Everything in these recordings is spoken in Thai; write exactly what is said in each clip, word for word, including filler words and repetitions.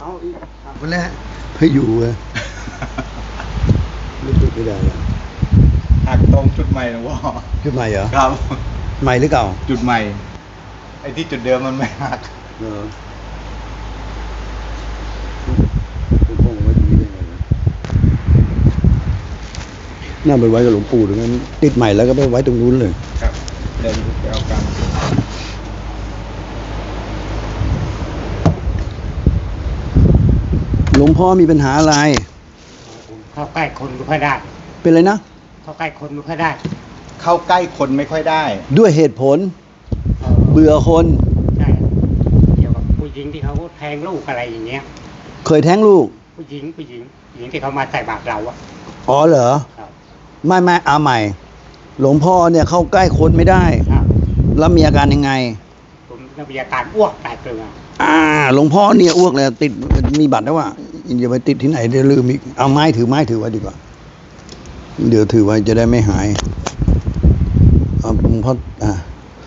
เอาอีกวันแรกให้อยู่เว้ยไม่จุดไม่ได้แล้วหักตรงจุดใหม่หลวงพ่อจุดใหม่เหรอครับใหม่หรือเก่าจุดใหม่ไอ้ที่จุดเดิมมันไม่หักเออผมคงไว้ตรงนี้ได้ไงนะน่าไปไว้กับหลวงปู่ตรงนั้นติดใหม่แล้วก็ไปไว้ตรงนู้นเลยครับเดี๋ยวไปเอากันหลวงพ่อมีปัญหาอะไรเข้าใกล้คนไม่ค่อยได้เป็นอะไรนะเข้าใกล้คนไม่ค่อยได้เข้าใกล้คนไม่ค่อยได้ด้วยเหตุผลเบื่อคนใช่เกี่ยวกับผู้หญิงที่เขาแทงลูกอะไรอย่างเงี้ยเคยแท้งลูกผู้หญิงผู้หญิงผู้หญิงที่เขามาใส่บาตรเราอะอ๋อเหรอไม่ไม่เอาใหม่หลวงพ่อเนี่ยเข้าใกล้คนไม่ได้แล้วมีอาการยังไงผมมีอาการอ้วกแตกเกลืออ่าหลวงพ่อเนี่ยอ้วกเลยติดมีบัตรแล้วว่าอย่าไปติดที่ไหนเดี๋ยวลืมอีกเอาไม้ถือไม้ถือไว้ดีกว่าเดี๋ยวถือไว้จะได้ไม่หายเอาหลวงพ่ออ่า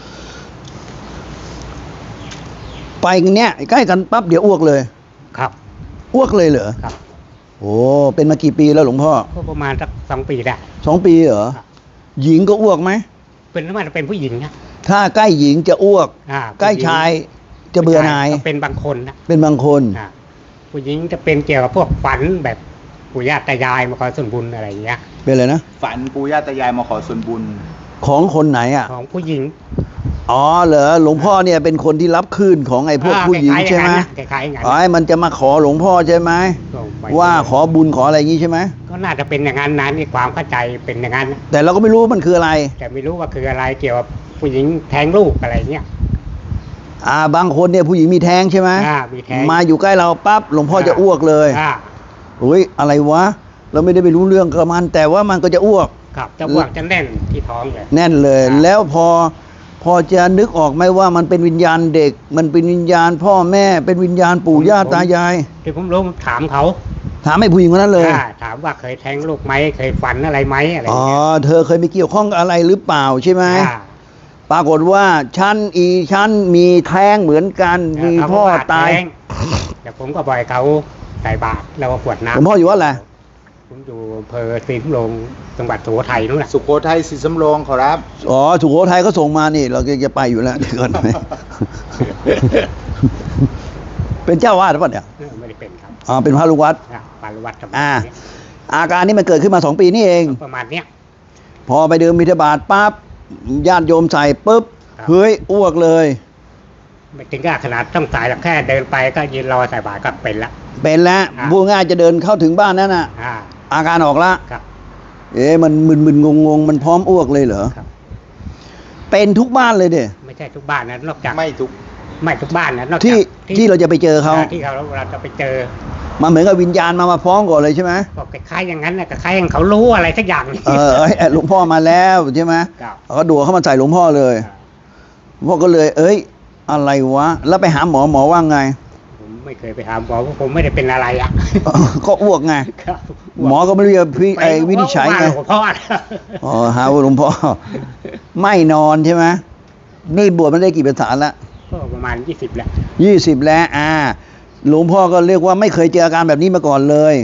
ไปกันเนี้ยใกล้กันปั๊บเดี๋ยวอ้วกเลยครับอ้วกเลยเหรอครับโอ้เป็นมากี่ปีแล้วหลวงพ่อก็ประมาณสักสองปีได้สองปีเหรอหญิงก็อ้วกไหมเป็นทำไมเป็นผู้หญิงนะถ้าใกล้หญิงจะอ้วกใกล้ชายจะเบื่อหน่ายเป็นบางคนนะเป็นบางคนผู้หญิงจะเป็นเกี่ยวกับพวกฝันแบบปู่ย่าตายายมาขอส่วนบุญอะไรอย่างเงี้ยเป็นอะไรนะฝันปู่ย่าตายายมาขอส่วนบุญของคนไหนอ่ะของผู้หญิงอ๋อเหรอหลวงพ่อเนี่ยเป็นคนที่รับคลื่นของไอ้พวกผู้หญิงใช่ไหมอ๋อมันจะมาขอหลวงพ่อใช่ไหมว่าขอบุญขออะไรอย่างงี้ใช่ไหมก็น่าจะเป็นอย่างนั้นนะนี่ความเข้าใจเป็นอย่างนั้นแต่เราก็ไม่รู้มันคืออะไรแต่ไม่รู้ว่าคืออะไรเกี่ยวกับผู้หญิงแทงลูกอะไรเงี้ยอ่าบางคนเนี่ยผู้หญิงมีแท้งใช่ไหมอ่ามีแท้งมาอยู่ใกล้เราปั๊บหลวงพ่อจะอ้วกเลยอ่าโอ้ยอะไรวะเราไม่ได้ไปรู้เรื่องกับมันแต่ว่ามันก็จะอ้วกครับจะอ้วกจะแน่นที่ท้องเลยแน่นเลยแล้วพอพอจะนึกออกไหมว่ามันเป็นวิญญาณเด็กมันเป็นวิญญาณพ่อแม่เป็นวิญญาณปู่ย่าตายายที่ผมรู้ถามเขาถามให้ผู้หญิงคนนั้นเลยถามว่าเคยแทงลูกไหมเคยฝันอะไรไหมอะไรอ๋อเธอเคยมีเกี่ยวข้องกับอะไรหรือเปล่าใช่ไหมปรากฏว่าฉันอีฉันมีแท้งเหมือนกันมีพ่อตายแต่ผมก็บ่อยเขาใส่บาตรแล้วก็ขวดน้ำผมพ่ออยู่ว่าอะไรผมอยู่อำเภอศรีสำโรงจังหวัดสุโขทัยนู่นแหละสุโขทัยศรีสำโรงขอรับอ๋อสุโขทัยก็ส่งมานี่เราจะไปอยู่แล้วเดี๋ยวก่อนไหมเป็นเจ้าวาดหรือเปล่าเนี่ยไม่ได้เป็นครับอ๋อเป็นพระลูกวัดพระลูกวัดครับอ่าอาการนี้มันเกิดขึ้นมาสองปีนี่เองประมาณเนี้ยพอไปเดินบิณฑบาตปั๊บญาติโยมใส่ปุ๊บเฮ้ยอ้วกเลยไม่ถึงกับขนาดต้องสายหรอกแค่เดินไปก็ยืนรอใส่บาตรก็เป็นละเป็นแล้วพูดง่ายจะเดินเข้าถึงบ้านนั่นน่ะอาการออกละเอ๊ะมันมึนๆงงๆมันพร้อมอ้วกเลยเหรอเป็นทุกบ้านเลยเด้ไม่ใช่ทุกบ้านนะนอกจากไม่ทุกไม่ทุกบ้านนะนอกจากที่ที่เราจะไปเจอเขาที่เขาเราจะไปเจอมาเหมือนกับวิญญาณมามาฟ้องก่อนเลยใช่ไหมบอกคล้ายอย่างนั้นนะคล้ายอย่างเขารู้อะไรสักอย่างเออหลวงพ่อมาแล้วใช่ไหมเขาดัวเข้ามาใส่หลวงพ่อเลยพ่อก็เลยเอ้ยอะไรวะแล้วไปหาหมอหมอว่าไงผมไม่เคยไปหาหมอเพราะผมไม่ได้เป็นอะไรอ่ะก็อ้วกไงหมอก็ไม่รู้จะพี่ไอ้วินิจฉัยไงพ่ออ๋อหาว่าหลวงพ่อไม่นอนใช่ไหมนี่บวชมันได้กี่พรรษาละก็ประมาณยี่สิบแล้วยี่สิบแล้วอ่าหลวงพ่อก็เรียกว่าไม่เคยเจออาการแบบนี้มาก่อนเลย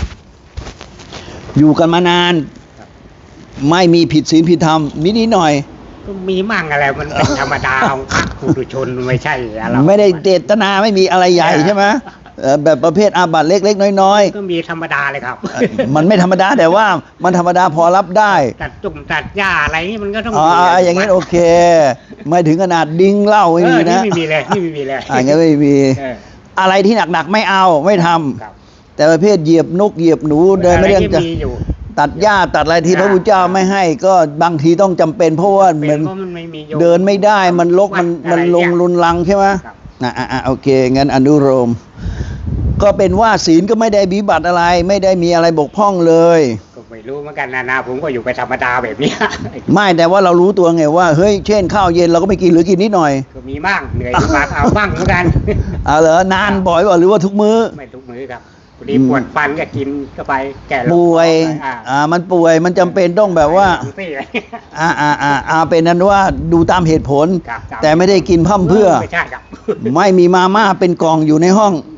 อยู่กันมานานไม่มีผิดศีลผิดธรรมนิดนิดหน่อยก็มีมั่งอะไรมันเป็นธรรมดาของพระปุถุชนไม่ใช่อะไรไม่ได้เจตนาไม่มีอะไรใหญ่ใช่ไหมแบบประเภทอาบัติเล็กๆน้อยๆก็มีธรรมดาเลยครับมันไม่ธรรมดาแต่ว่ามันธรรมดาพอรับได้ตัดจุ่มตัดหญ้าอะไรนี่มันก็ต้องอ๋ออย่างงี้โอเคไม่ถึงขนาดดิ้งเหล้าไม่มีนะไม่มีเลยไม่มีเลยอย่างงี้ไม่มีอะไรที่หนักๆไม่เอาไม่ทำแต่ประเภทเหยียบนกเหยียบหนูเดินไม่เรื่องจะตัดหญ้าตัดอะไรที่พระพุทธเจ้าไม่ให้ก็บางทีต้องจำเป็นเพราะว่ามันเดินไม่ได้มันลกมันมันลงรุนรังใช่ไหมอ่ะอ่ะโอเคงั้นอนุโลมก็เป็นว่าศีลก็ไม่ได้วิบัติอะไรไม่ได้มีอะไรบกพร่องเลยก็ไม่รู้เหมือนกันนะนะผมก็อยู่ไปธรรมดาแบบนี้ไม่แต่ว่าเรารู้ตัวไงว่าเฮ้ยเช่นข้าวเย็นเราก็ไม่กินหรือกินนิดหน่อยก็มีบ้างเหนื่อยมากเอาบ้างเหมือนกันเอาเหรอนานบ่อยว่าหรือว่าทุกมื้อไม่ทุกมื้อครับพอดีปวดฟันก็กินเข้าไปแก่ป่วยอ่ามันป่วยมันจำเป็นต้องแบบว่าอ่าอ่าอ่าอ่าเป็นนั้นว่าดูตามเหตุผลแต่ไม่ได้กินพร่ำเพื่อไม่ใช่ครับไม่มีมาม่าเป็นกล่องอยู่ในห้อง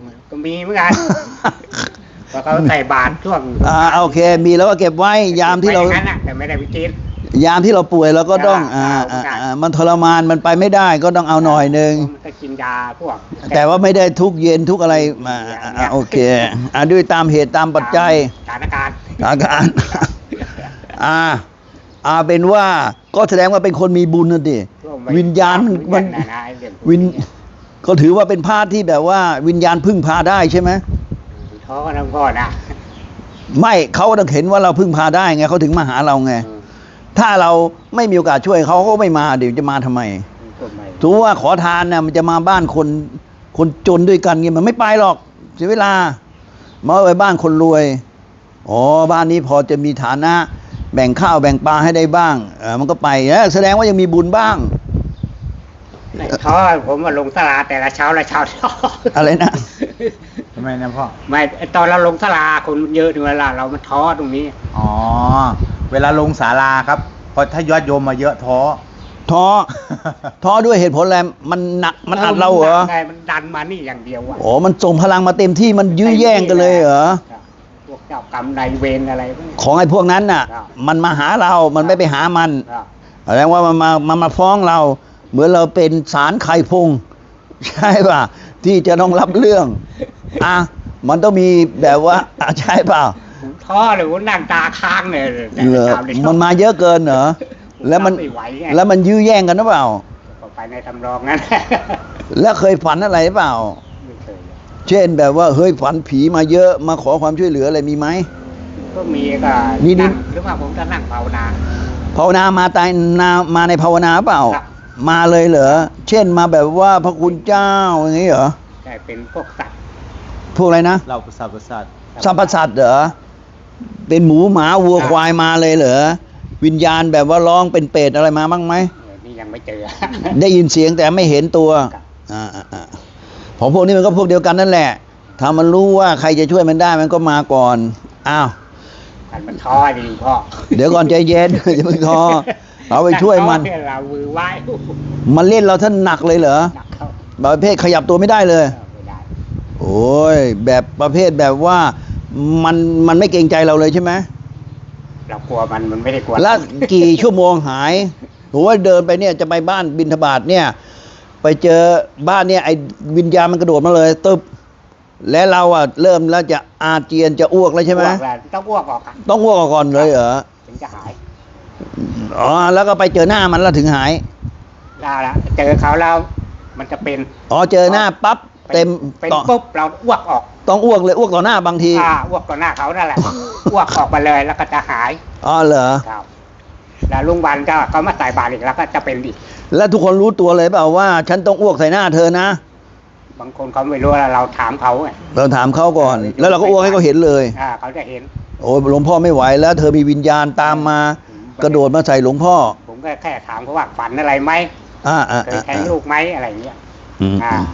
มีเหมือนกันเพราะเขาใส่บาตรช่วงอ่าโอเค มีแล้วก็เก็บไว้ยามที่เราไว้อย่งนั้นน่ะแต่ไม่ได้ไปกินยามที่เราป่วยเราก็ต้องอ่าอ่าใช่อ่าอ่ามันทรมานมันไปไม่ได้ก็ต้องเอาหน่อยหนึ่งมันก็กินยาพวกแต่ว่าไม่ได้ทุกเย็นทุกอะไรมาอ่าอ่าโอเคอ่าด้วยตามเหตุตามปัจจัยสถานการณ์อาการอ่าอ่าเป็นว่าก็แสดงว่าเป็นคนมีบุญนะดิวิญญาณมันมันนะนะไอ้เรื่องพกวิญเยก็ถือว่าเป็นพาสที่แบบว่าวิญญาณพึ่งพาได้ใช่ไหมท้อกันทั้งพ่อนะไม่เขาต้องเห็นว่าเราพึ่งพาได้ไงเขาถึงมาหาเราไงเออถ้าเราไม่มีโอกาสช่วยเขาเขาก็ไม่มาเดี๋ยวจะมาทำไมก็ไม่ถือว่าขอทานนะมันจะมาบ้านคนคนจนด้วยกันเงี้ยมันไม่ไปหรอกเสียเวลามาไปบ้านคนรวยอ๋อบ้านนี้พอจะมีฐานะ แบ่งข้าวแบ่งปลาให้ได้บ้างเออมันก็ไปเออแสดงว่ายังมีบุญบ้างไม่ท้อผมมาลงตลาดแต่ละเช้าละเช้าท้ออะไรนะทำไมนะพ่อไม่ไอ้ตอนเราลงตลาดคนเยอะถึงเวลาเรามันท้อตรงนี้อ๋อ เวลาลงศาลาครับพอถ้ายอดโยมมาเยอะท้อท้อ ท้อด้วยเหตุผลอะไรมันหนักมันอัดเราเหรอไงมันดันมานี่อย่างเดียวอ่ะโอ้มันส่งพลังมาเต็มที่มันยื้อแย่งกันเลยเหรอครับพวกเจ้ากรรมนายเวรอะไรพวกนี้ของไอ้พวกนั้นน่ะครับมันมาหาเรา มันไม่ไปหามันครับแสดงว่ามันมามามาฟ้องเรา เหมือนเราเป็นศาลไข่พง ใช่ป่ะ ที่จะต้องรับเรื่อง อ่ะ มันต้องมีแบบว่าอ่ะใช่ป่ะผมท้อเลยผมนั่งตาค้างเลยเหรอตามเลยมันมาเยอะเกินเหรอ แล้วมันไม่ไหวไงแล้วมันยื้อแย่งกันหรือเปล่าก็ไปในทำรองนั้นแล้วเคยฝันอะไรหรือเปล่าไม่เคยเลยเช่นแบบว่าเฮ้ยฝันผีมาเยอะมาขอความช่วยเหลืออะไรมีไหมก็มีก็นี่นี่งหรือว่าผมจะนั่งภาวนาภาวนามาตายนามาในภาวนาเปล่าครับมาเลยเหรอ เช่นมาแบบว่าพระคุณเจ้าอย่างนี้เหรอได้เป็นพวกสัตว์พวกอะไรนะเราประสาทประสาทสัมปสัตว์เหรอ เป็นหมูหมาวัวควายมาเลยเหรอ วิญญาณแบบว่าร้องเป็นเปรตอะไรมาบ้างไหมเออนี่ยังไม่เจอได้ยินเสียงแต่ไม่เห็นตัวครับอ่าอ่าอ่าของพวกนี้มันก็พวกเดียวกันนั่นแหละ ถ้ามันรู้ว่าใครจะช่วยมันได้มันก็มาก่อน อ้าวกันมันท้อดีพ่อเดี๋ยวก่อนใจเย็น อย่าเพิ่งท้อเอาไปช่วยมันท้อเยเรามือไหว้มันเล่นเราท่านหนักเลยเหรอหนักเข้าแบบประเภทขยับตัวไม่ได้เลยเออไม่ได้โอ้ยแบบประเภทแบบว่ามันมันไม่เกรงใจเราเลยใช่ไหมเรากลัวมันมันไม่ได้กลัวแล้วกี่ชั่วโมงหายโอ้ยเดินไปเนี่ยจะไปบ้านบิณฑบาตเนี่ย ไปเจอบ้านเนี่ยไอ้วิญญาณมันกระโดดมาเลยตึบและเราอ่ะเริ่มแล้วจะอาเจียนจะอ้วกแล้วใช่ไหมอ้วกแล้วต้องอ้วกออกอะต้องอ้วกก่อนเลยเหรอถึงจะหายอ๋อแล้วก็ไปเจอหน้ามันแล้วถึงหายได้ละเจอเขาแล้วมันจะเป็นอ๋อเจอหน้าปั๊บเต็มเป็นต่อปุ๊บเราอ้วกออกต้องอ้วกเลยอ้วกต่อหน้าบางทีอ่าอ้วกต่อหน้าเขานั่นแหละ อ้วกออกมาเลยแล้วก็จะหายอ๋อเหรอครับแล้วลุงวันก็เขามาใส่บาตรอีกแล้วก็จะเป็นอีกแล้วทุกคนรู้ตัวเลยเปล่าว่า ฉันต้องอ้วกใส่หน้าเธอนะบางคนเขาไม่รู้แล้วเราถามเขาไงเราถามเขาก่อน แล้วเราก็อ้วกให้เขาเห็นเลยอ่าเขาจะเห็นโอ้ยหลวงพ่อไม่ไหวแล้ว เธอมีวิญญาณตามมา กระโดดมาใส่หลวงพ่อผมก็แค่ถามเขาว่าฝันอะไรไหมอ่าอ่าเคยอ่าแทงลูกไหมอะไรอย่างเงี้ยอืมอ่า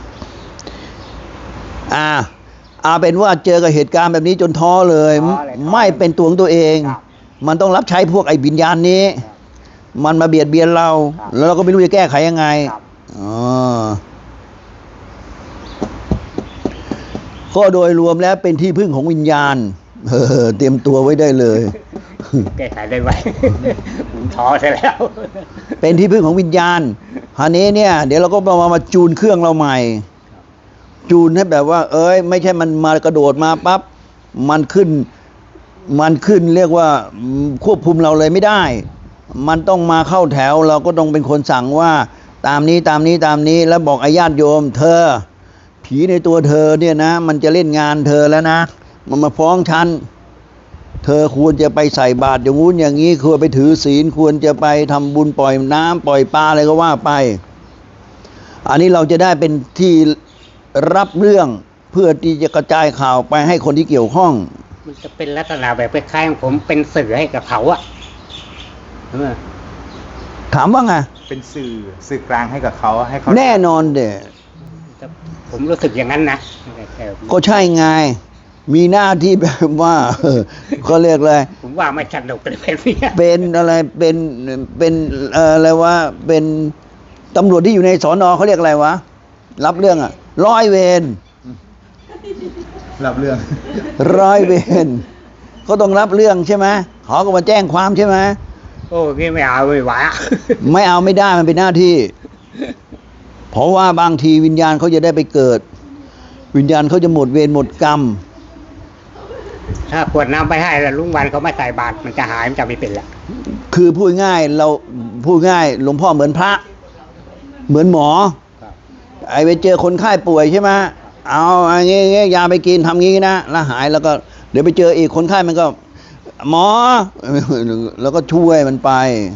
อ่าอาเป็นว่าเจอกับเหตุการณ์แบบนี้จนท้อเลยท้อเลยท้อไม่เป็นตัวของตัวเองครับมันต้องรับใช้พวกไอ้วิญญาณนี้ครับมันมาเบียดเบียนเราครับแล้วเราก็ไม่รู้จะแก้ไขยังไงครับอ๋อก็โดยรวมแล้วเป็นที่พึ่งของวิญญาณเออเตรียมตัวไว้ได้เลยแก้ไขได้ไหม ผมท้อซะแล้วเป็นที่พึ่งของวิญญาณคราวนี้เนี่ย เดี๋ยวเราก็มามาจูนเครื่องเราใหม่ จูนให้แบบว่า เอ้ย ไม่ใช่มันมากระโดดมาปั๊บมันขึ้น มันขึ้นเรียกว่าอืมควบคุมเราเลยไม่ได้ มันต้องมาเข้าแถว เราก็ต้องเป็นคนสั่งว่า ตามนี้ตามนี้ตามนี้ แล้วบอกอาญาติโยม เธอ ผีในตัวเธอเนี่ยนะ มันจะเล่นงานเธอแล้วนะ มันมาฟ้องฉัน เธอควรจะไปใส่บาตรอย่างงู้นอย่างนี้ควรไปถือศีลควรจะไปทำบุญปล่อยน้ำปล่อยปลาอะไรก็ว่าไป อันนี้เราจะได้เป็นที่รับเรื่องเพื่อที่จะกระจายข่าวไปให้คนที่เกี่ยวข้องมันจะเป็นลักษณะแบบคล้ายๆผมเป็นสื่อให้กับเขาอะใช่ไหมถามว่าไงเป็นสื่อสื่อกลางให้กับเขาให้เขาแน่นอนเด็แต่ผมรู้สึกอย่างนั้นนะแต่ก็ใช่ไง มีหน้าที่แบบว่า เออก็เรียกอะไรผมว่าไม่สนุกเลยเป็นเนี้ยเป็นอะไรเป็นเป็นเอ่ออะไรวะเป็นตำรวจที่อยู่ในสอนอเขาเรียกอะไรวะรับเรื่องอะร้อยเวรรับเรื่องร้อยเวรก็ต้องรับเรื่องใช่ไหมเขาก็มาแจ้งความใช่ไหมโอ้พี่ไม่เอาไม่ไหวอะไม่เอาไม่ได้มันเป็นหน้าที่ เพราะว่าบางทีวิญญาณเขาจะได้ไปเกิด วิญญาณเขาจะหมดเวรหมดกรรมถ้ากวดน้ำไปให้แล้วลุงวันเขาไม่ใส่บาตรมันจะหายมันจะไม่เป็นละคือพูดง่ายเราพูดง่ายหลวงพ่อเหมือนพระ เหมือนหมอครับไอ้ไปเจอคนไข้ป่วยใช่ไหมเอาอันนี้งี้ยาไปกินทำงี้นะแล้วหายแล้วก็เดี๋ยวไปเจออีกคนไข้มันก็ หมอ แล้วก็ช่วยมันไป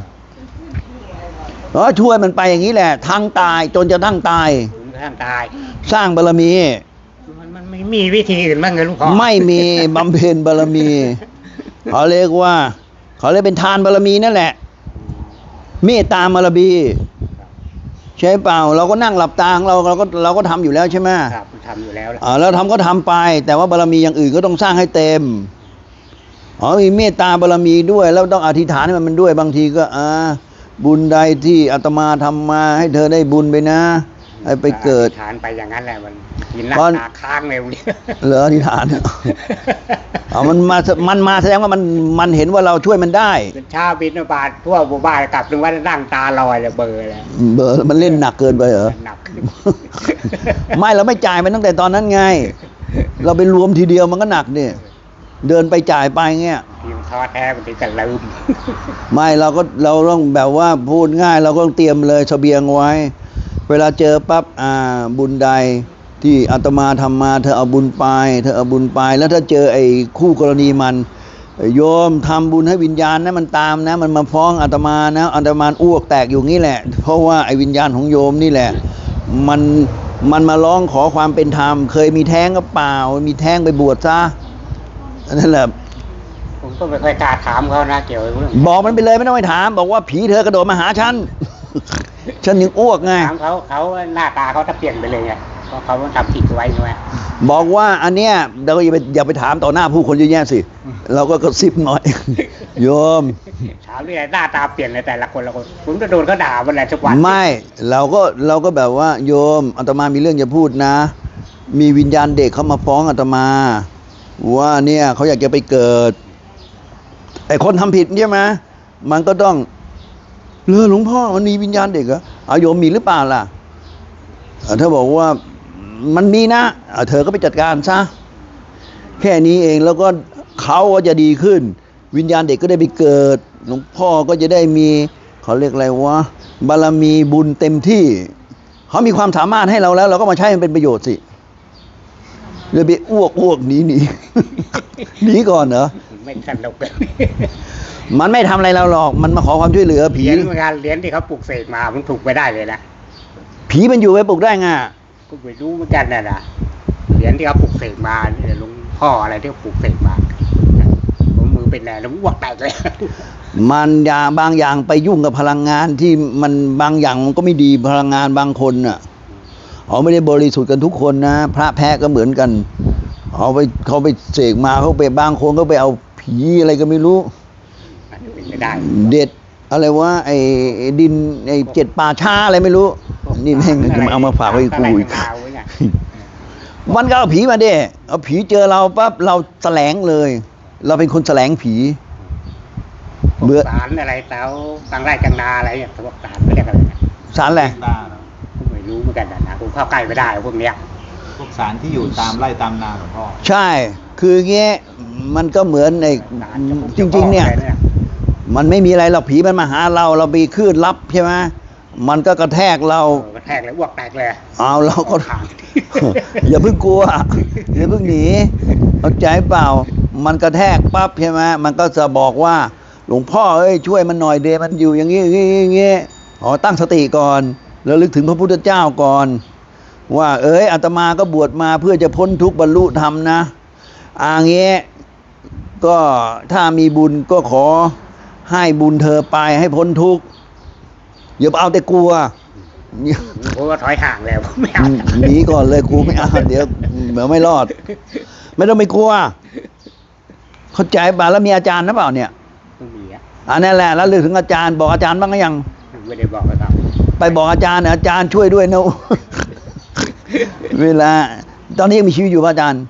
แล้วช่วยมันไปอย่างนี้แหละทั้งตายจนจะทั้งตายถึงท่านตายสร้างบารมีมันมันไม่มีวิธีอื่นบ้างเลยลุงพ่อไม่มีบำเพ็ญบารมีเขาเรียกว่าเขาเรียกเป็นทานบารมีนั่นแหละเมตตาบารมีใช่เปล่าเราก็นั่งหลับตาของเราเราก็เราก็ทำอยู่แล้วใช่ไหมครับทำอยู่แล้วล่ะอ่าเราทำก็ทำไป แต่ว่าบารมีอย่างอื่นก็ต้องสร้างให้เต็มอ๋อมีเมตตาบารมีด้วย แล้วต้องอธิษฐานให้มันด้วยบางทีก็อ่าบุญใดที่อาตมาทำมาให้เธอได้บุญไปนะให้ไปเกิดทานไปอย่างนั้นแหละมันกินหน้าตอนตาค้างเลยวันนี้เหลืออธิษฐานอ๋อมันมามันมาแสดงว่ามันมันเห็นว่าเราช่วยมันได้เป็นเช้าบินบาตทั่วหมู่บ้านกลับถึงว่านั่งตาลอยเลยเบลอร์เลยเบอร์มันเล่นหนักเกินไปเหรอหนักขึ้นไม่เราไม่จ่ายมันตั้งแต่ตอนนั้นไง เราไปรวมทีเดียวมันก็หนักเนี่ยเดินไปจ่ายไปเงี้ยทีมท้อแท้มันถึงกันลืมไม่เราก็เราต้องแบบว่าพูดง่าย เราก็ต้องเตรียมเลยเสบียงไว้ เวลาเจอปั๊บอ่าบุญใดที่อาตมาทำมาเธอเอาบุญไปเธอเอาบุญไป แล้วถ้าเจอไอ้คู่กรณีมันโยมทำบุญให้วิญญาณนะมันตามนะ มันมาฟ้องอาตมานะอาตมาอ้วกแตกอยู่งี้แหละ เพราะว่าไอ้วิญญาณของโยมนี่แหละ มันมันมาร้องขอความเป็นธรรม เคยมีแท้งก็เปล่า มีแท้งไปบวชซะนั่นแหละผมก็ไม่ค่อยกล้าถามเขานะเกี่ยวกับเรื่องบอกมันไปเลยไม่ต้องไปถาม บอกว่าผีเธอกระโดดมาหาฉัน ฉันยังอ้วกไงถามเขาเขาหน้าตาเขาจะเปลี่ยนไปเลยไงเพราะเขาทำผิดไว้ใช่ไหมบอกว่าอันเนี้ยเราอย่าไปอย่าไปถามต่อหน้าผู้คนเยอะแยะสิ เราก็กระซิบหน่อย โยมถามนี่หน้าตาเปลี่ยนเลยแต่ละคนละคนผมจะโดนเขาด่าวันไหนทุกวันไม่เราก็เราก็แบบว่า โยมอาตมามีเรื่องจะพูดนะ มีวิญญาณเด็กเขามาฟ้องอาตมา ว่าเนี่ยเขาอยากจะไปเกิดไอ้คนทำผิดใช่ไหมมันก็ต้องเรือหลวงพ่อมันมีวิญญาณเด็กเหรอเอาโยมมีหรือเปล่าล่ะเอ่อถ้าบอกว่ามันมีนะอ่ะเธอก็ไปจัดการซะแค่นี้เองแล้วก็เขาก็จะดีขึ้น วิญญาณเด็กก็ได้ไปเกิดหลวงพ่อก็จะได้มีเขาเรียกอะไรวะบารมีบุญเต็มที่เขามีความสามารถให้เราแล้ว เราก็มาใช้มันเป็นประโยชน์สิเลยไปอ้วกอ้วกหนีหนี หนีก่อนเหรอไม่สนุกเลยมันไม่ทำอะไรเราหรอกมันมาขอความช่วยเหลือเหผีรียญเหมือนกันเหรียญที่เขาปลุกเสกมามันถูกไปได้เลยนะผีมันอยู่ไว้ปลุกได้ไงก็ไม่รู้เหมือนกันนะนะเหรียญที่เขาปลุกเสกมาเนี่ยหลุงพ่ออะไรที่เขาปลุกเสกมาผมมือเป็นแหน่แล้วอ้วกแตกเลยมันอย่างบางอย่างไปยุ่งกับพลังงานที่มันบางอย่างมันก็ไม่ดีพลังงานบางคนน่ะเขาไม่ได้บริสุทธิ์กันทุกคนนะพระแพ้ก็เหมือนกันเขาไปเขาไปเสกมาเขาไปบางคนก็ไปเอาผีอะไรก็ไม่รู้อาจจะเป็นไปได้เด็ดอะไรวะไอ้ไอ้ดินไอ้เจ็ดป่าช้าอะไรไม่รู้ นี่แม่งจะมาเอามาฝากไว้กูอีกอะไรกันมาไว้ไงมันก็เอาผีมาเด้เอาผีเจอเราปั๊บเราแสลงเลย เราเป็นคนแสลงผี เบื่อสารอะไรเต้าตังไร่จังนาอะไรเนี่ยพวกสารไม่เรียกอะไรนะสารแหละบ้าเหรอผมไม่รู้เหมือนกันนะนะผมเข้าใกล้ไม่ได้พวกเนี้ยพวกสารที่อยู่ตามไร่ตามนาหลวงพ่อใช่ คืออย่างเงี้ยมันก็เหมือนในสารจะพุ่จริง ๆ เนี่ยจะออกอะไรมันไม่มีอะไรหรอกผีมันมาหาเราเราไปคลื่นรับใช่ไหมมันก็กระแทกเราเออกระแทกเลยอ้วกแตกเลยเอาเราก็ทางอย่าเพิ่งกลัว อย่าเพิ่งหนีเข้าใจเปล่า มันกระแทกปั๊บใช่ไหมมันก็จะบอกว่า หลวงพ่อเอ้ยช่วยมันหน่อยเดมันอยู่อย่างนี้อย่างนี้อย่างนี้อ๋อตั้งสติก่อนแล้วลึกถึงพระพุทธเจ้าก่อน ว่า เอ้ยอาตมาก็บวชมาเพื่อจะพ้นทุกข์บรรลุธรรมนะอ่างี้ก็ถ้ามีบุญก็ขอให้บุญเธอไปให้พ้นทุกข์อย่าเอาแต่กลัวผมก็ถอยห่างแล้วไม่เอาหนีก่อนเลยกูไม่เอาเดี๋ยวเดี๋ยวไม่รอด ไม่ต้องไปกลัว เข้าใจป่ะแล้วมีอาจารย์นะเปล่าเนี่ยไม่มีอะอันนั้นแหละแล้วลึกถึงอาจารย์บอกอาจารย์บ้างหรือยังไม่ได้บอกเลยครับไปบอกอาจารย์นะอาจารย์ช่วยด้วยนะ เวลา ตอนนี้ยังมีชีวิตอยู่ป่ะอาจารย์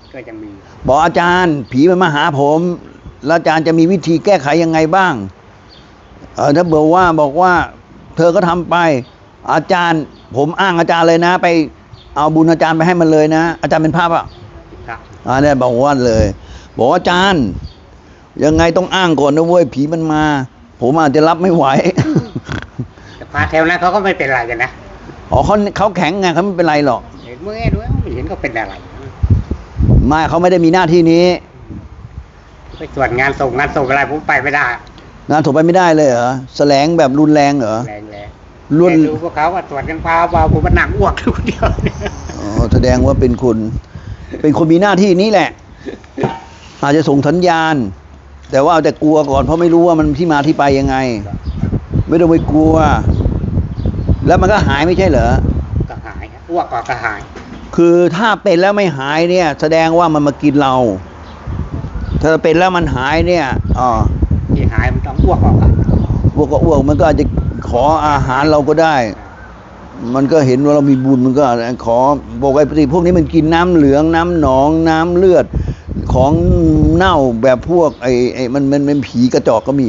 ก็ยังมีบอกอาจารย์ผีมันมาหาผมแล้วอาจารย์จะมีวิธีแก้ไขยังไงบ้างเออถ้าบอกว่าบอกว่าเธอก็ทำไปอาจารย์ผมอ้างอาจารย์เลยนะ ไปเอาบุญอาจารย์ไปให้มันเลยนะอาจารย์เป็นพระป่ะครับอ่าเนี่ยบอกว่าเลย บอกว่าอาจารย์ยังไงต้องอ้างก่อนนะเว้ยผีมันมา ผมอาจจะรับไม่ไหวแต่พาแถวนั้นเขาก็ไม่เป็นไรกันนะอ๋อเขาเขาแข็งไงเขาไม่เป็นไรหรอกเห็นเมื่อไงด้วยไม่เห็นเขาเป็นอะไรไม่เขาไม่ได้มีหน้าที่นี้ไปตรวจงานส่งงานส่งอะไรผมไปไม่ได้งานถูกไปไม่ได้เลยเหรอแสลงแบบรุนแรงเหรอแรงแรงรุ่นดูพวกเขาว่าตรวจกันพาเบาผมมันหนักอ้วกทุกเดียวเนี่ยอ๋อแสดงว่าเป็นคนเป็นคนมีหน้าที่นี้แหละ อาจจะส่งสัญญาณ แต่ว่าเอาแต่กลัวก่อนเพราะไม่รู้ว่ามันที่มาที่ไปยังไง ไม่ต้องไปกลัว แล้วมันก็หายไม่ใช่เหรอก็หายอ้วกก็กระหายคือถ้าเป็นแล้วไม่หายเนี่ย แสดงว่ามันมากินเรา ถ้าเป็นแล้วมันหายเนี่ยอ๋อที่หายมันต้องอ้วกออกอะอ้วกก็อ้วกมันก็อาจจะขออาหารเราก็ได้ มันก็เห็นว่าเรามีบุญมันก็ขอบอกไอ้ปฏิพวกนี้มันกินน้ำเหลืองน้ำหนองน้ำเลือด ของเน่าแบบพวกไอ้ไอ้มันมันเป็นผีกระจอกก็มี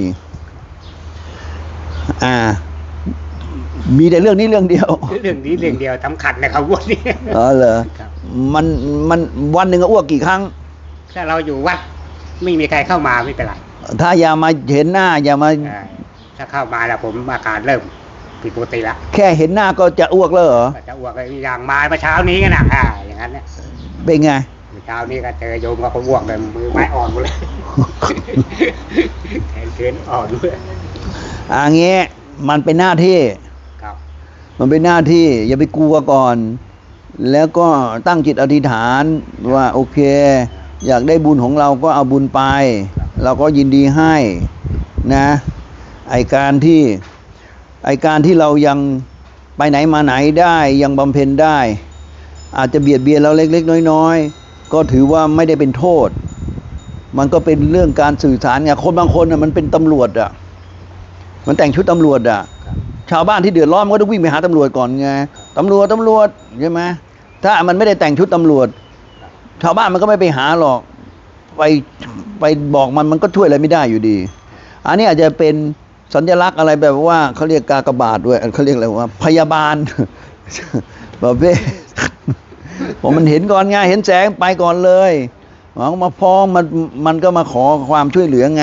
อ่า มีแต่เรื่องนี้เรื่องเดียวเรื่องนี้เรื่องเดียวสำคัญนะครับอ้วกนี่อ๋อเหรอครับมันมันวันหนึ่งก็อ้วกกี่ครั้งถ้าเราอยู่วัดไม่มีใครเข้ามาไม่เป็นไรถ้าอย่ามาเห็นหน้า อย่ามาใช่ถ้าเข้ามาแล้วผมอาการเริ่มผิดปกติละแค่เห็นหน้าก็จะอ้วกแล้วเหรอก็จะอ้วกอย่างมาเมื่อเช้านี้กันนะอ่าอย่างนั้นเนี่ยเป็นไงเมื่อเช้านี้ก็เจอโยมก็เขาอ้วกเลยมือไม้อ่อนหมดเลยแขนเขินอ่อนด้วยอ่าเงี้ยมันเป็นหน้าที่ครับมันเป็นหน้าที่ อย่าไปกลัวก่อน แล้วก็ตั้งจิตอธิษฐานว่าโอเค อยากได้บุญของเราก็เอาบุญไป เราก็ยินดีให้นะไอการที่ไอการที่เรายังไปไหนมาไหนได้ยังบำเพ็ญได้ อาจจะเบียดเบียนเราเล็กๆน้อยๆก็ถือว่าไม่ได้เป็นโทษ มันก็เป็นเรื่องการสื่อสารไงคนบางคนน่ะมันเป็นตำรวจอ่ะมันแต่งชุดตำรวจอ่ะครับชาวบ้านที่เดือดร้อนมันก็ต้องวิ่งไปหาตำรวจก่อนไงตำรวจตำรวจใช่ไหมถ้ามันไม่ได้แต่งชุดตำรวจ ชาวบ้านมันก็ไม่ไปหาหรอก ไปไปบอกมันมันก็ช่วยอะไรไม่ได้อยู่ดี อันนี้อาจจะเป็นสัญลักษณ์อะไรแบบว่าเขาเรียกกากบาทด้วยเขาเรียกอะไรว่าพยาบาล แบบเว้ผมมันเห็นก่อนไงเห็นแสงไปก่อนเลยหวังมาฟ้องมันมันก็มาขอความช่วยเหลือไง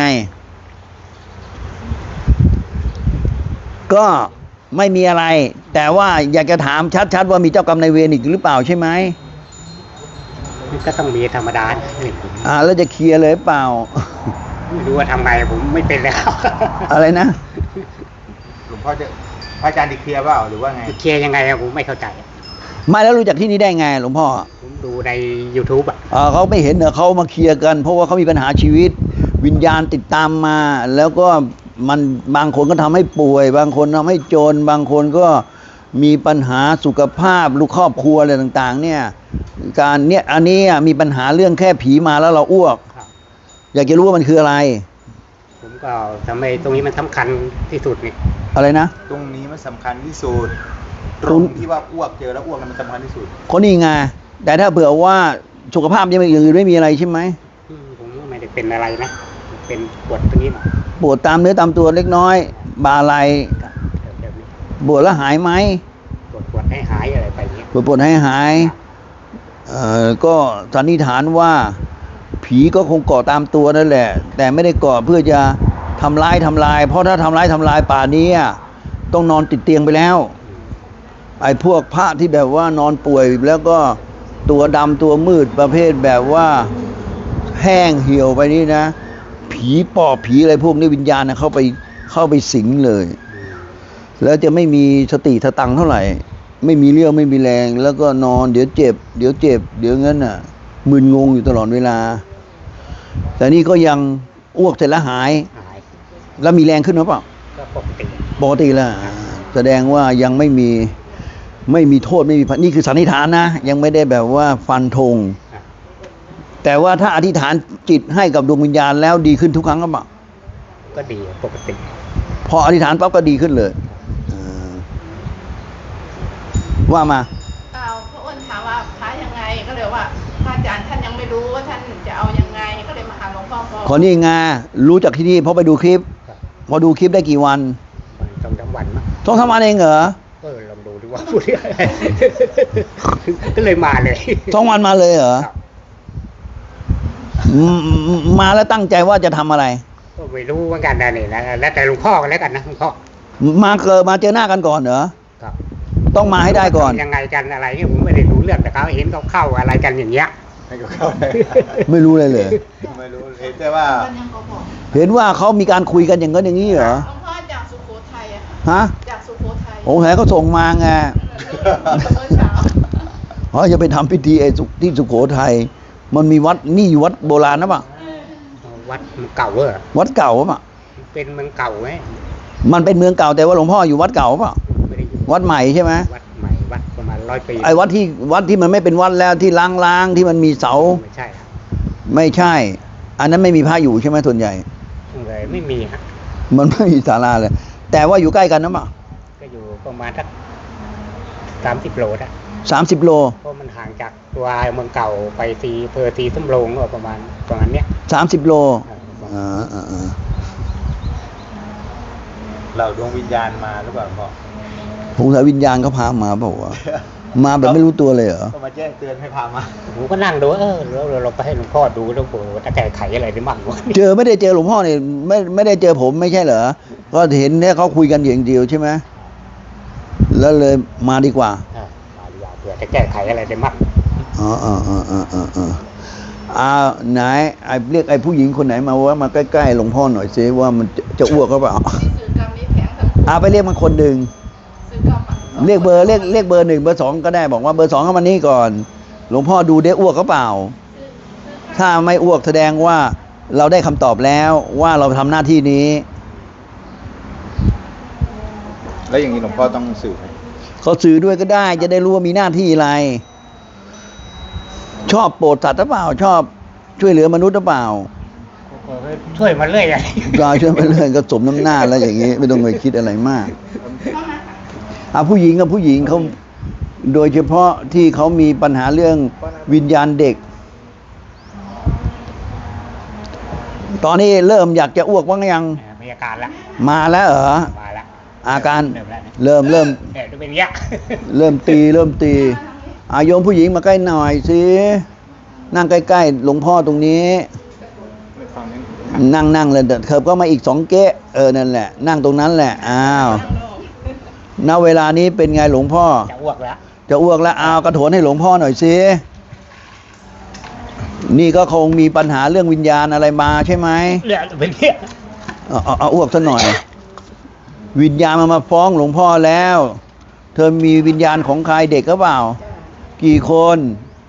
ก็ไม่มีอะไร แต่ว่าอยากจะถามชัดๆว่ามีเจ้ากรรมนายเวรอีกหรือเปล่าใช่ไหมมันก็ต้องมีธรรมดาเนี่ยผมอ่าแล้วจะเคลียร์เลยเปล่าไม่รู้ว่าทำไงผมไม่เป็นแล้วอะไรนะหลวงพ่อจะพระอาจารย์ดิเคลียร์เปล่าหรือว่าไงเคลียร์ยังไงอะผมไม่เข้าใจไม่แล้วรู้จักที่นี่ได้ไงหลวงพ่อผมดูใน YouTube อ่ะอ่าเขาไม่เห็นเหรอเขามาเคลียร์กัน เพราะว่าเขามีปัญหาชีวิต วิญญาณติดตามมา แล้วก็มันบางคนก็ทำให้ป่วย บางคนทำให้จน บางคนก็มีปัญหาสุขภาพลูกครอบครัวอะไรต่างๆ เนี่ย การเนี่ยอันนี้อ่ะมีปัญหาเรื่องแค่ผีมาแล้วเราอ้วกครับอยากจะรู้ว่ามันคืออะไรผมก็ทำไมตรงนี้มันสำคัญที่สุดนี่อะไรนะตรงนี้มันสำคัญที่สุดตตรรงงที่ว่าอ้วกเจอแล้วอ้วกนั้นมันสำคัญที่สุดคนนี้ไงแต่ถ้าเผื่อว่าสุขภาพยังไม่อย่างอื่นไม่มีอะไรใช่ไหมอืมผมก็ไม่ได้เป็นอะไรนะ เป็นปวดตรงนี้หน่อยปวดตามเนื้อตามตัวเล็กน้อย บาไหลครับเดี๋ยวนี้ปวดแล้วหายไหมปวดปวดให้หายอะไรไปเงี้ยปวดปวดให้หายเอ่อก็สันนิษฐานว่า ผีก็คงเกาะตามตัวนั่นแหละ แต่ไม่ได้เกาะเพื่อจะทำร้ายทำลาย เพราะถ้าทำร้ายทำลายป่านี้อ่ะต้องนอนติดเตียงไปแล้ว ไอ้พวกพระที่แบบว่านอนป่วยแล้วก็ตัวดำตัวมืดประเภทแบบว่าแห้งเหี่ยวไปนี่นะ ผีปอบผีอะไรพวกนี้วิญญาณนะเข้าไปเข้าไปสิงเลย แล้วจะไม่มีสติสตังค์เท่าไหร่ ไม่มีเรี่ยวไม่มีแรง แล้วก็นอนเดี๋ยวเจ็บ เดี๋ยวเจ็บ เดี๋ยวงั้นน่ะมึนงงอยู่ตลอดเวลา แต่นี่ก็ยังอ้วกเสร็จแล้วหายหายแล้วมีแรงขึ้นหรือเปล่าก็ปกติปกติแล้วอ่าแสดงว่ายังไม่มีไม่มีโทษไม่มีภัยนี่คือสันนิษฐานนะ ยังไม่ได้แบบว่าฟันธงอ่ะแต่ว่าถ้าอธิษฐานจิตให้กับดวงวิญญาณแล้วดีขึ้นทุกครั้งก็เปล่าก็ดีปกติพออธิษฐานปั๊บก็ดีขึ้นเลยอ่าว่ามาเปล่าพระอ้วนถามว่าพระยังไงก็เลยว่าพระอาจารย์ท่านยังไม่รู้ว่าท่านจะเอายังไงก็เลยมาหาหลวงพ่อก่อนคนนี้ไงรู้จากที่นี่เพราะไปดูคลิปครับพอดูคลิปได้กี่วันสองสามวันมั้งสองสามวันเองเหรอเออลองดูดิว่าพูดอะไร ก็เลยมาเลยสองวันมาเลยเหรอครับอืมมาแล้วตั้งใจว่าจะทำอะไรก็ไม่รู้เหมือนกันนะนี่นะแล้วแต่หลวงพ่อกันแล้วกันนะหลวงพ่อมาเกิดมาเจอหน้ากันก่อนเหรอครับต้องมาให้ได้ก่อนยังไงกันอะไรเนี่ยผมไม่ได้รู้เรื่องแต่เขาเห็นเขาเข้าอะไรกันอย่างเงี้ยไม่ก็เข้าเลยไม่รู้เลยเลยไม่รู้เห็นแต่ว่าท่านยังก็บอกเห็นว่าเขามีการคุยกันอย่างนั้นอย่างนี้เหรอหลวงพ่อจากสุโขทัยอะค่ะฮะจากสุโขทัยโอ้โหเขาส่งมาไงเมื่อเช้าเขาจะไปทำพิธีไอ้สุที่สุโขทัยมันมีวัดนี่อยู่วัดโบราณนะปะวัดมันเก่าเออวัดเก่าปะเป็นเมืองเก่าไหมมันเป็นเมืองเก่าแต่ว่าหลวงพ่ออยู่วัดเก่าปะไม่ได้อยู่วัดใหม่ใช่ไหมวัดใหม่วัดประมาณร้อยปีไอ้วัดที่วัดที่มันไม่เป็นวัดแล้วที่ล้างๆที่มันมีเสาไม่ใช่ครับไม่ใช่ อันนั้นไม่มีพระอยู่ใช่ไหมส่วนใหญ่เลยไม่มีฮะมันไม่มีศาลาเลย แต่ว่าอยู่ใกล้กันนะปะก็อยู่ประมาณสักสามสิบโลนะสามสิบโลเพราะมันห่างจากตัวเมืองเก่าไปตีอำเพอตีส้มโรงก็ประมาณประมาณเนี้ยสามสิบโลเอออ่าอ่าอ่าเราดวงวิญญาณมาหรือเปล่าพ่อสงสัยวิญญาณเขาพามาเปล่าวะมาแบบไม่รู้ตัวเลยเหรอก็มาแจ้งเตือนให้พามาผมก็นั่งดูเออแล้วเราไปให้หลวงพ่อดูแล้วโอ้โหจะแก้ไขอะไรได้บ้างวะเจอไม่ได้เจอหลวงพ่อเนี่ยไม่ไม่ได้เจอผมไม่ใช่เหรอ ก็เห็นเนี่ยเขาคุยกันอย่างเดียวใช่ไหมแล้วเลยมาดีกว่าอ่ามาดีกว่าเผื่อจะแก้ไขอะไรได้บ้างอ๋ออ๋ออ๋ออ๋ออ๋ออ๋ออ่าไหนไอ้เรียกไอ้ผู้หญิงคนไหนมาว่ามาใกล้ๆหลวงพ่อหน่อยซิว่ามันจะจะอ้วกเขาเปล่ามีสื่อกรรมมีแผงทั้งคู่อ่าไปเรียกมาคนหนึ่งสื่อกรรมอะเรียกเบอร์เรียกเรียกเบอร์หนึ่งเบอร์สองก็ได้บอกว่าเบอร์สองเข้ามานี่ก่อน หลวงพ่อดูได้อ้วกเขาเปล่า ถ้าไม่อ้วกแสดงว่าเราได้คำตอบแล้วว่าเราทำหน้าที่นี้แล้วอย่างนี้หลวงพ่อต้องสื่อไหมเขาสื่อด้วยก็ได้ จะได้รู้ว่ามีหน้าที่อะไร ชอบโปรดสัตว์หรือเปล่า ชอบช่วยเหลือมนุษย์หรือเปล่าช่วยมาเรื่อยอะกายช่วยไปเรื่อยก็สมน้ำหน้าแล้วอย่างนี้ ไม่ต้องไปคิดอะไรมากอ่ะผู้หญิงกับผู้หญิงเขาโดยเฉพาะที่เขามีปัญหาเรื่องวิญญาณเด็ก ตอนนี้เริ่มอยากจะอ้วกบ้างยังอ่ามีอาการละมาแล้วเหรอมาละอาการเริ่มแล้วนะเริ่มเริ่มเนี่ยจะเป็นอย่างเงี้ยเริ่มตีเริ่มตีอาโยมผู้หญิงมาใกล้หน่อยสินั่งใกล้ๆหลวงพ่อตรงนี้ไม่ฟังนั้นนั่งนั่งเลยเดินเคิบก็มาอีกสองเก๊ะเออนั่นแหละ นั่งตรงนั้นแหละอ้าวณเวลานี้เป็นไงหลวงพ่อจะอ้วกแล้วจะอ้วกแล้วอ้าวกระโถนให้หลวงพ่อหน่อยสินี่ก็คงมีปัญหาเรื่องวิญญาณอะไรมาใช่ไหมเนี่ยเป็นอย่างเงี้ยเอาเอาเอาอ้วกซะหน่อย วิญญาณมามาฟ้องหลวงพ่อแล้ว เธอมีวิญญาณของใครเด็กหรือเปล่า กี่คน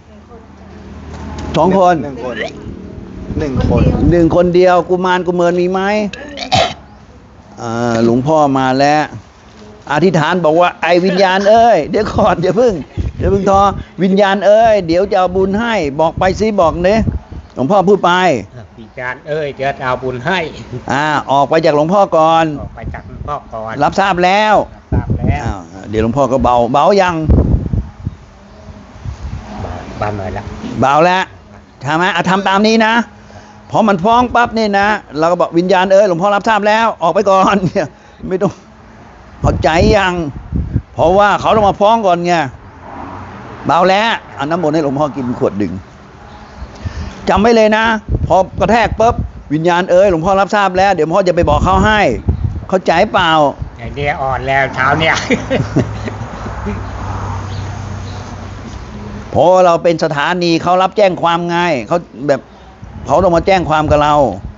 สองคนหนึ่งคนหนึ่งคนหนึ่งคนเดียวกุมารกุเมินมีไหมอ่าหลวงพ่อมาแล้วอธิษฐานบอกว่าไอ้วิญญาณเอ้ยเดี๋ยวก่อนอย่าเพิ่งอย่าเพิ่งทอวิญญาณเอ้ยเดี๋ยวจะเอาบุญให้บอกไปสิบอกเนะหลวงพ่อพูดไปวิญญาณเอ้ยจะเอาบุญให้อ่าออกไปจากหลวงพ่อก่อนออกไปจากหลวงพ่อก่อนรับทราบแล้วรับทราบแล้วอ้าวเดี๋ยวหลวงพ่อก็เบาเบายังบานหน่อยละเบาแล้วใช่ไหมอ่ะทำตามนี้นะพอมันฟ้องปั๊บนี่นะเราก็บอกวิญญาณเอ้ยหลวงพ่อรับทราบแล้ว ออกไปก่อน เนี่ยไม่ต้องเข้าใจยังเพราะว่าเขาต้องมาฟ้องก่อนไงเบาแล้วเอาน้ำมนต์ให้หลวงพ่อกินขวดดึงจำไว้เลยนะพอกระแทกปุ๊บวิญญาณเอ้ยหลวงพ่อรับทราบแล้วเดี๋ยวหลวงพ่อจะไปบอกเขาให้ เข้าใจเปล่าไอเดียอ่อนแล้วเช้าเนี่ยเพราะเราเป็นสถานีเขารับแจ้งความไงเขาแบบเขาต้องมาแจ้งความกับเรา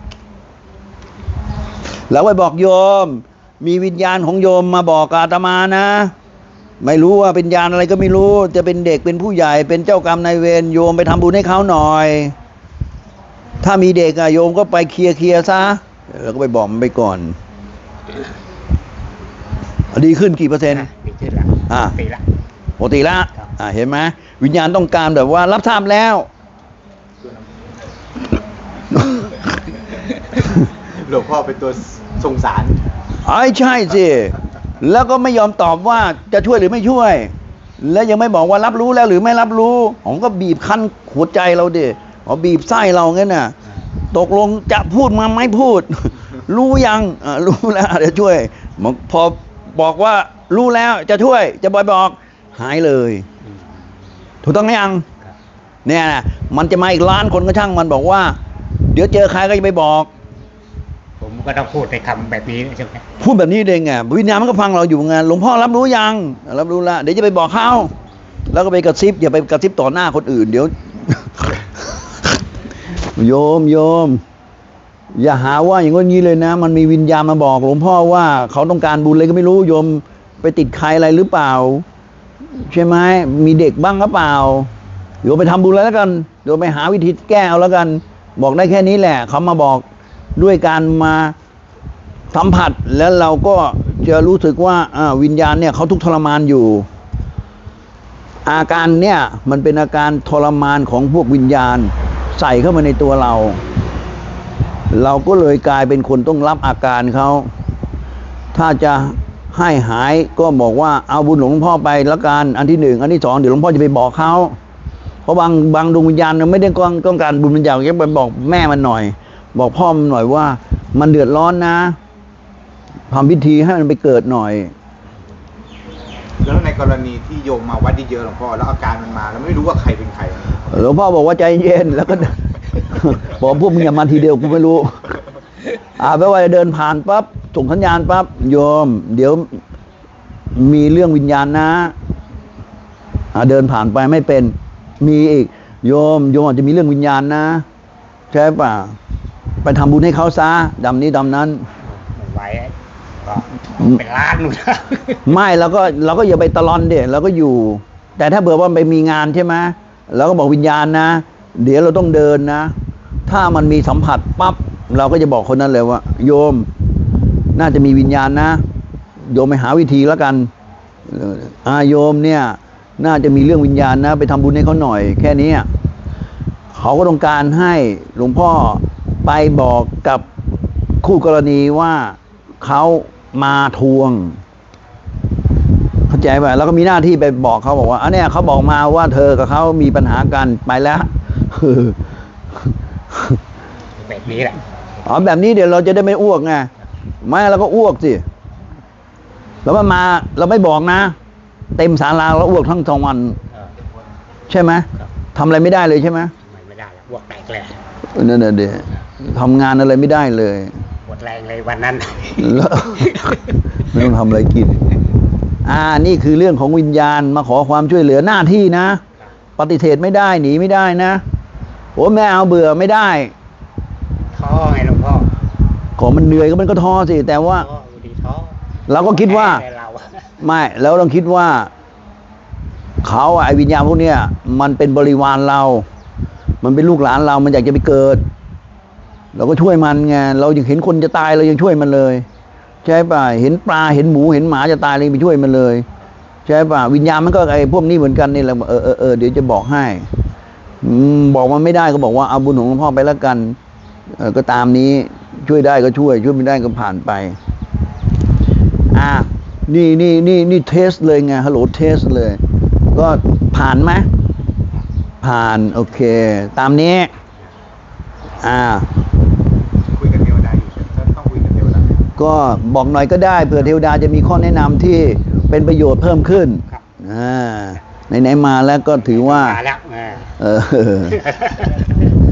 แล้วไปบอกโยม มีวิญญาณของโยมมาบอกกับอาตมานะ ไม่รู้ว่าเป็นญาณอะไรก็ไม่รู้ จะเป็นเด็กเป็นผู้ใหญ่เป็นเจ้ากรรมนายเวรโยมไปทำบุญให้เขาหน่อย ถ้ามีเด็กอะโยมก็ไปเคลียร์เคลียร์ซะแล้วก็ไปบอกมันไปก่อนดีขึ้นกี่เปอร์เซ็นต์ดีขึ้นละอ่าตีละปกติละครับอ่าเห็นไหมวิญญาณต้องการแบบว่ารับทราบแล้วหลวงพ่อเป็นตัวสงสารไอ้ใช่สิแล้วก็ไม่ยอมตอบว่าจะช่วยหรือไม่ช่วยแล้วยังไม่บอกว่ารับรู้แล้วหรือไม่รับรู้ผมก็บีบคั้นหัวใจเราดิอ๋อบีบไส้เรางั้นน่ะตกลงจะพูดมาไม่พูด รู้ยังอ่ารู้แล้วเดี๋ยวช่วยพอบอกว่ารู้แล้วจะช่วยจะบอยบอกหายเลยถูกต้องหรือยังเนี่ยนะมันจะมาอีกล้านคนก็ช่างมันบอกว่าเดี๋ยวเจอใครก็จะไปบอกผมก็ต้องพูดในคำแบบนี้ใช่ไหมพูดแบบนี้เองไงวิญญาณมันก็ฟังเราอยู่ไงหลวงพ่อรับรู้ยังรับรู้แล้วเดี๋ยวจะไปบอกเขาแล้วก็ไปกระซิบอย่าไปกระซิบต่อหน้าคนอื่นเดี๋ยว โยมโยมอย่าหาว่าอย่างงี้เลยนะ มันมีวิญญาณมาบอกหลวงพ่อว่าเขาต้องการบุญอะไรก็ไม่รู้โยมไปติดใครอะไรหรือเปล่าใช่ไหมมีเด็กบ้างหรือเปล่าโยมไปทำบุญแล้วกันโยมไปหาวิธีแก้เอาแล้วกันบอกได้แค่นี้แหละเขามาบอกด้วยการมาสัมผัสแล้วเราก็จะรู้สึกว่าวิญญาณเนี่ยเขาทุกข์ทรมานอยู่อาการเนี่ยมันเป็นอาการทรมานของพวกวิญญาณใส่เข้ามาในตัวเราเราก็เลยกลายเป็นคนต้องรับอาการเขาถ้าจะให้หายก็บอกว่าเอาบุญหลวงพ่อไปละกันอันที่หนึ่งอันที่สองเดี๋ยวหลวงพ่อจะไปบอกเขาเพราะบางบางดวงวิญญาณไม่ได้ต้องการบุญวิญญาณแค่ไปบอกแม่มันหน่อยบอกพ่อมันหน่อยว่ามันเดือดร้อนนะทำพิธีให้มันไปเกิดหน่อยแล้วในกรณีที่โยมมาวัดเยอะๆหลวงพ่อแล้วอาการมันมาแล้วไม่รู้ว่าใครเป็นใครหลวงพ่อบอกว่าใจเย็นแล้วก็ บอกพวกมึงอย่ามาทีเดียวกูไม่รู้อ่าแปลว่าเดินผ่านปั๊บส่งสัญญาณปั๊บโยมเดี๋ยวมีเรื่องวิญญาณนะอ่าเดินผ่านไปไม่เป็นมีอีกโยมโยมอาจจะมีเรื่องวิญญาณนะใช่ป่ะไปทำบุญให้เขาซะดำนี้ดำนั้นไม่ไหวก็เป็นล้านนู่นนะไม่เราก็เราก็อย่าไปตะลอนเด็เราก็อยู่แต่ถ้าเบื่อว่าไปมีงานใช่ไหมเราก็บอกวิญญาณนะเดี๋ยวเราต้องเดินนะถ้ามันมีสัมผัสปั๊บเราก็จะบอกคนนั้นเลยว่าโยมน่าจะมีวิญญาณนะโยมไปหาวิธีแล้วกันอาโยมเนี่ยน่าจะมีเรื่องวิญญาณนะไปทำบุญให้เขาหน่อยแค่นี้เขาก็ต้องการให้หลวงพ่อไปบอกกับคู่กรณีว่าเขามาทวงเข้าใจป่ะแล้วก็มีหน้าที่ไปบอกเขาบอกว่าอันเนี้ยเขาบอกมาว่าเธอกับเขามีปัญหากันไปแล้วแบบนี้แหละอ๋อแบบนี้เดี๋ยวเราจะได้ไม่อ้วกไงไม่เราก็อ้วกสิแล้วมันมาเราไม่บอกนะเต็มศาลาเราอ้วกทั้งสองวันใช่ไหมทำอะไรไม่ได้เลยใช่ไหมไม่ได้แล้วอ้วกแตกเลยนั่นน่ะเดี๋ยวทำงานอะไรไม่ได้เลยหมดแรงเลยวันนั้นแล้วไม่ต้องทำอะไรกินอ่านี่คือเรื่องของวิญญาณมาขอความช่วยเหลือหน้าที่นะปฏิเสธไม่ได้หนีไม่ได้นะโอ้แม่เอาเบื่อไม่ได้ท้อไงหลวงพ่อขอมันเหนื่อยก็มันก็ท้อสิแต่ว่าเราก็คิดว่าไม่แล้วเราคิดว่าเขาไอ้วิญญาณพวกเนี้ยมันเป็นบริวารเรามันเป็นลูกหลานเรามันอยากจะไปเกิดเราก็ช่วยมันไงเรายังเห็นคนจะตายเรายังช่วยมันเลยใช่ป่ะเห็นปลาเห็นหมูเห็นหมาจะตายเราไปช่วยมันเลยใช่ป่ะวิญญาณมันก็ไอ้พวกนี้เหมือนกันนี่แหละเออเออเออเดี๋ยวจะบอกให้บอกมันไม่ได้ก็บอกว่าเอาบุญของหลวงพ่อไปแล้วกันเออก็ตามนี้ช่วยได้ก็ช่วยช่วยไม่ได้ก็ผ่านไปอ่ะนี่นี่นี่นี่เทสเลยไงฮัลโหลเทสเลยก็ผ่านไหมผ่านโอเคตามนี้อ่าคุยกับเทวดาอยู่ต้องคุยกับเทวดาก็บอกหน่อยก็ได้เผื่อเทวดาจะมีข้อแนะนำที่เป็นประโยชน์เพิ่มขึ้นอ่าไหนๆมาแล้วก็ถือว่ามาแล้วเออ